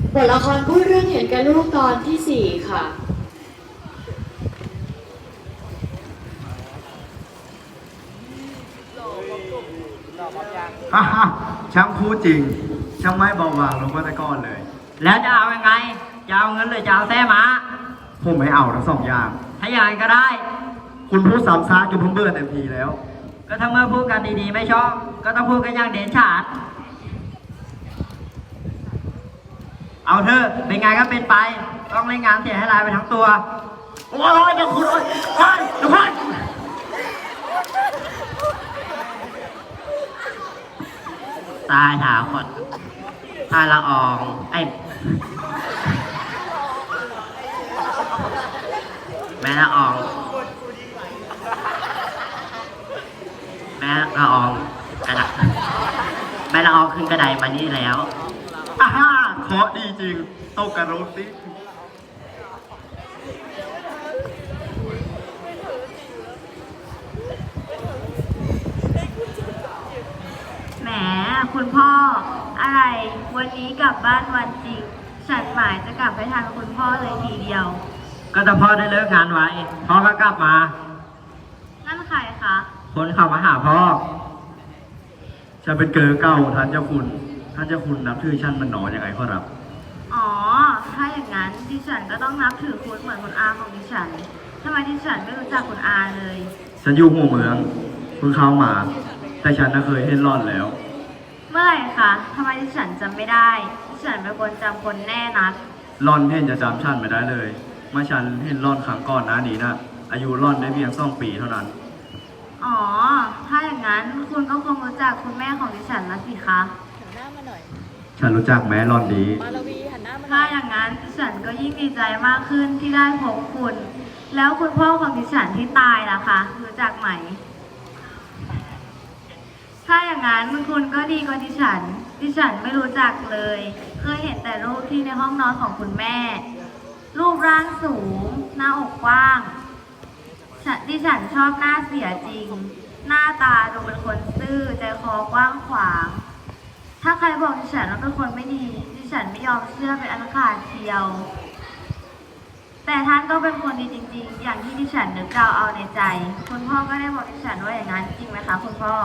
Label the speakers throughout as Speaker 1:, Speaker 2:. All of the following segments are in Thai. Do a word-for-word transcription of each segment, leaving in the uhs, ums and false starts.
Speaker 1: บทละครพูดเรื่องเห็นแก่ลูกตอนที่สี่ค่ะ
Speaker 2: ฮ่าฮ่าช่างพูดจริงช่างไม่เบาบางลงก็แต่ก่อนเลย
Speaker 3: แล้วจะเอายังไงจะเอาเงินหรือจะเอาแท้ม้า
Speaker 2: ผมไม่เอาทั้งสองอย่าง
Speaker 3: ถ้าอย่างนั้นก็ได้
Speaker 2: คุณพูดซ้ำซากจนผมเบื่อเต็มทีแล้ว
Speaker 3: ก็ถ้าเมื่อพูดกันดีๆไม่ชอบก็ต้องพูดกันอย่างเด่นชัดเอาเถอะเป็นไงก็เป็นไปต้องเล่นงานเสียให้ลายไปทั้งตัวโอ้ยเดี๋ยวคุณโอ้ยโอ้ยเดี๋ยวคุณตายถาขดตายละอองไอ้แม่ละอองแม่ละอองกระดาษแม่ละอองขึ้นกระไดมานี่แล้ว
Speaker 2: อ่าฮ่าเคราะห์ดีจริงตกกระโดดสิ
Speaker 4: แหมคุณพ่ออะไรวันนี้กลับบ้านวันจริงฉันหมายจะกลับไปทานคุณพ่อเลยทีเดียว
Speaker 3: ก็ถ้าพ่อได้เลิกงานไว้พ่อก็กลับมา
Speaker 4: นั่นใครคะ
Speaker 3: คนเข้ามาหาพ่อ
Speaker 2: ฉันเป็นเกอเก่าท่านเจ้าคุณท่านเจ้าคุณนับถือฉันมันหนอยังไงขอรับ
Speaker 4: อ๋อถ้าอย่างนั้นดิฉันก็ต้องนับถือคุณเหมือนคุณอาของดิฉันทำไมดิฉันไม่รู้จักคุณอาเลย
Speaker 2: ฉันอยู่หัวเมืองเพิ่งเข้ามาแต่ฉันน่ะเคยเห็นร่อนแล้ว
Speaker 4: เมื่อไหร่คะทำไมดิฉันจำไม่ได้ดิฉันเป็นคนจำคนแน่นัก
Speaker 2: ร่อนเห็นจะจำฉันไม่ได้เลยเมื่อฉันเห็นร่อนครั้งก่อนหน้านี้นะอายุร่อนได้เพียงสองปีเท่านั้น
Speaker 4: อ๋อถ้าอย่างนั้นคุณก็คงรู้จักคุณแม่ของดิฉันแล้วสิคะ
Speaker 5: หันหน้ามาหน่อย
Speaker 2: ฉันรู้จักแม่ร่อนดี
Speaker 5: มาลวีหันหน้ามาหน่อย
Speaker 4: ถ้าอย่างนั้นดิฉันก็ยิ่งดีใจมากขึ้นที่ได้พบคุณแล้วคุณพ่อของดิฉันที่ตายล่ะคะรู้จักไหมถ้าอย่างนั้นคุณก็ดีกว่าดิฉันดิฉันไม่รู้จักเลยเคยเห็นแต่รูปที่ในห้องนอนของคุณแม่รูปร่างสูงหน้าอกกว้างดิฉันชอบหน้าเสียจริงหน้าตาดูเป็นคนซื่อใจคอกว้างขวางถ้าใครบอกดิฉันว่าเป็นคนไม่ดีดิฉันไม่ยอมเชื่อเป็นอันขาดเชียวแต่ท่านก็เป็นคนดีจริงๆอย่างที่ดิฉันนึกเดาเอาในใจคุณพ่อก็ได้บอกดิฉันว่าอย่างนั้นจริงไหมคะคุณพ่อ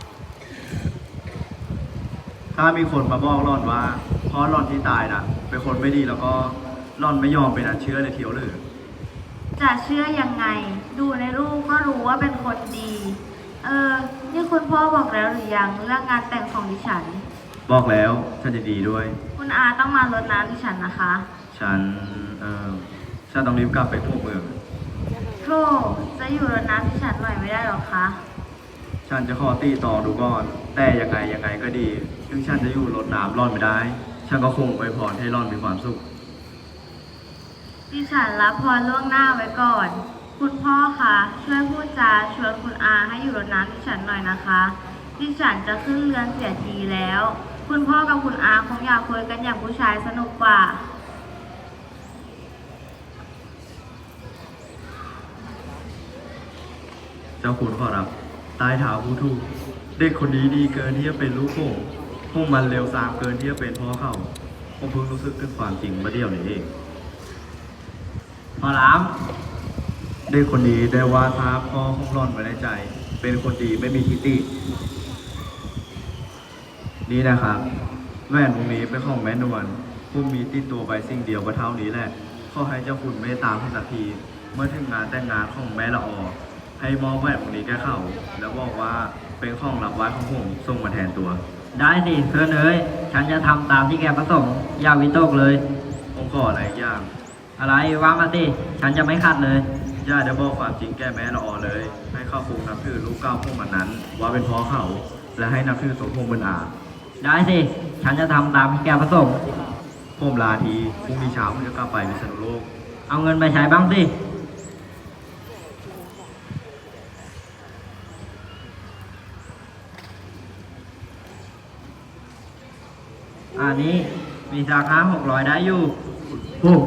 Speaker 2: ถ้ามีคนมาบอกร่อนว่าเพราะร่อนที่ตายนะเป็นคนไม่ดีแล้วก็ร่อนไม่ยอมเป็นอันเชื่อเลยเทียวหรือ
Speaker 4: จะเชื่อยังไงดูในรูปก็รู้ว่าเป็นคนดีเออนี่คุณพ่อบอกแล้วหรือยังเรื่องงานแต่งของดิฉัน
Speaker 2: บอกแล้วฉันจะดีด้วย
Speaker 4: คุณอาต้องมารดน้ำดิฉันนะคะ
Speaker 2: ฉันเออฉันต้องรีบกลับไปทั่วเมือง
Speaker 4: โธ่จะอยู่รดน้ำดิฉันหน่อยไม่ได้หรอคะ
Speaker 2: ฉันจะขอตีต่อดูก่อนแต่ยังไงยังไงก็ดีถึงฉันจะอยู่รดน้ำร่อนไม่ได้ฉันก็คงอวยพรให้ร่อนมีความสุข
Speaker 4: ดิฉันรับพรล่วงหน้าไว้ก่อนคุณพ่อคะช่วยพูดจาชวนคุณอาให้อยู่รดน้ำดิฉันหน่อยนะคะดิฉันจะขึ้นเรือนเสียทีแล้วคุณพ่อกับคุณอาคงอยากคุยกันอย่างผู้ชายสนุกกว่า
Speaker 2: เจ้าคุณขอรับตายถาวผู้ทูเด็กคนนี้ดีเกินที่จะเป็นลูกผมพวกมันเร็วสามเกินที่จะเป็นพ่อเขาผมเพิ่งรู้สึกถึงความจริงเมื่อเดียวนี้เอง
Speaker 3: พอล้
Speaker 2: เด็กคนนี้ได้วาดภาพพ่อของร่อนไว้ในใจเป็นคนดีไม่มีทิฏฐินี่นะครับแว่นวงนี้เป็นของแม่นวลผู้มีติดตัวไปสิ่งเดียวก็เท่านี้แหละขอให้เจ้าคุณไม่ตามให้สักทีเมื่อถึงงานแต่งงานของแม่ละออให้มอบแหวนวงนี้แก่เขาแล้วบอกว่าเป็นของรับไว้ของผมส่งมาแทนตัว
Speaker 3: ได้สิเพื่อนเอ้ยฉันจะทำตามที่แกประสงค์อย่าวิตกเลย
Speaker 2: ผมขออะไรอย่าง
Speaker 3: อะไรว่ามาสิฉันจะไม่ขัดเลย
Speaker 2: ย่าจะบอกความจริงแก่แม่ละออเลยให้เข้าคุกนับถือลูกเก้าพวกมันนั้นว่าเป็นพ่อเขาและให้นับถือสมพงษ์เป็นอา
Speaker 3: ได้สิฉันจะทำตามที่แกประสงค์
Speaker 2: ผมลาทีพรุ่งนี้เช้าผมจะกลับไปพิษณุโลก
Speaker 3: เอาเงินไปใช้บ้างสิอันนี้มีราคาหกร้อยได้อยู่
Speaker 2: โอ้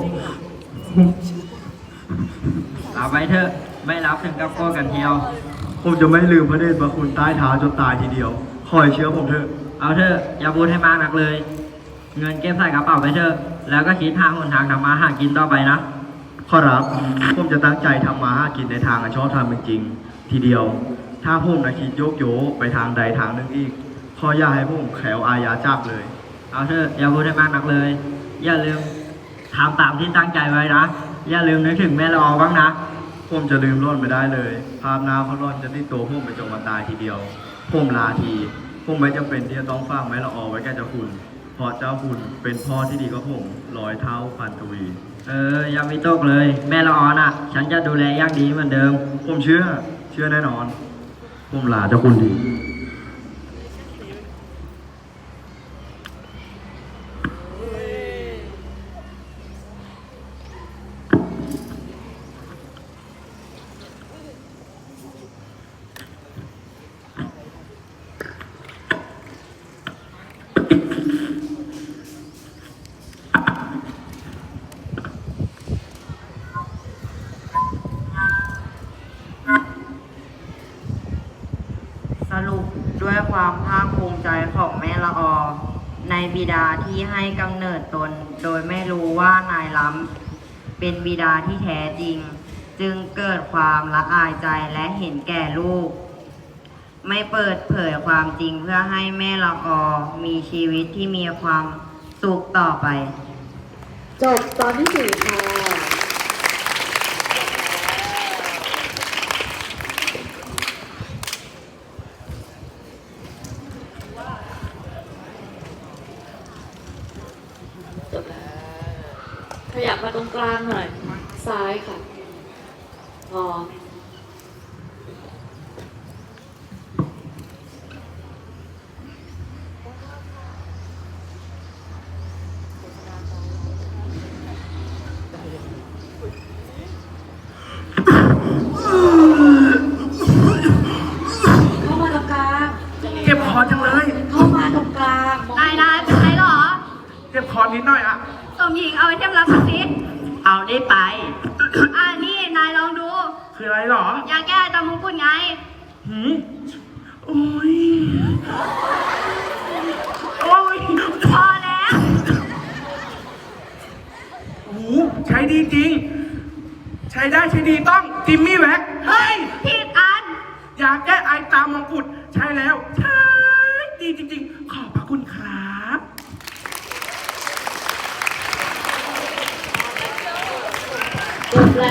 Speaker 3: เอาไปเถอะไม่รับถึงกับโก้กันเที่ยว
Speaker 2: ผมจะไม่ลืมพระเดชพระคุณใต้เท้าจนตายทีเดียวคอยเชื่อผมเถอะ
Speaker 3: เอาเถอะอย่าพูดให้มากนักเลยเงินเก็บใส่กระเป๋าไปเถอะแล้วก็คิดหาหนทางทำมาหากินต่อไปนะ
Speaker 2: ขอรับผมจะตั้งใจทำมาหากินในทางอันชอบธรรมจริงๆทีเดียว ถ้าผมนะคิดโยกโยไปทางใดทางหนึ่งอีกขออย่าให้ผมแขวอาญาจับเลย
Speaker 3: เอาเถอะอย่าพูดให้มากนักเลย อย่าลืมทำตามที่ตั้งใจไว้นะ อย่าลืมนึกถึงแม่ละออบ้างนะ
Speaker 2: ผมจะลืมร่อนไม่ได้เลย ภาพหน้าเขาร่อนจะติดตัวผมไปจนวันตายทีเดียว ผมลาทีผมไม่จำเป็นที่จะต้องฟังแม่ละออไว้แก่เจ้าคุณ เพราะเจ้าคุณเป็นพ่อที่ดีกับผมร้อยเท่าพันทวี
Speaker 3: เอออย่ามีตกเลย แม่ละออน่ะ ฉันจะดูแลอย่างดีเหมือนเดิม
Speaker 2: ผมเชื่อ เชื่อแน่นอน ผมลาเจ้าคุณดี
Speaker 6: สรุปด้วยความภาคภูมิใจของแม่ละออ ในบิดาที่ให้กำเนิดตน โดยไม่รู้ว่านายล้ำเป็นบิดาที่แท้จริง จึงเกิดความละอายใจและเห็นแก่ลูก ไม่เปิดเผยความจริงเพื่อให้แม่ละออมีชีวิตที่มีความสุขต่อไป
Speaker 1: จบตอนที่สี่ค่ะ จบแล้ว ขยับมาตรงกลางหน่อย ซ้ายค่ะ พอ เข้ามาตรงกลาง
Speaker 7: เจ็บคอจังเลย
Speaker 1: เข้ามาตรงกลาง
Speaker 4: นายนายเป็นไรเหรอ
Speaker 7: เจ็บคอนิดหน่อยอะ
Speaker 4: สมหญิงเอาไอเทมรับมาสิ
Speaker 3: เอาได้ไป
Speaker 4: อ่านี่นายลองดู
Speaker 7: คืออะไรหรอ
Speaker 4: ยาแก้ตามมงกุฎไง
Speaker 7: หืมโอ้ย โอ้ย
Speaker 4: พอแล้ว
Speaker 7: โอ้โหใช้ดีจริง ใช้ได้ใช้ดีต้องจิมมี่แว็กเฮ้ย
Speaker 4: ผิดอัน
Speaker 7: ยาแก้ไอตามมงกุฎใช้แล้ว ใช้ดีจริงๆ ขอบพระคุณครับ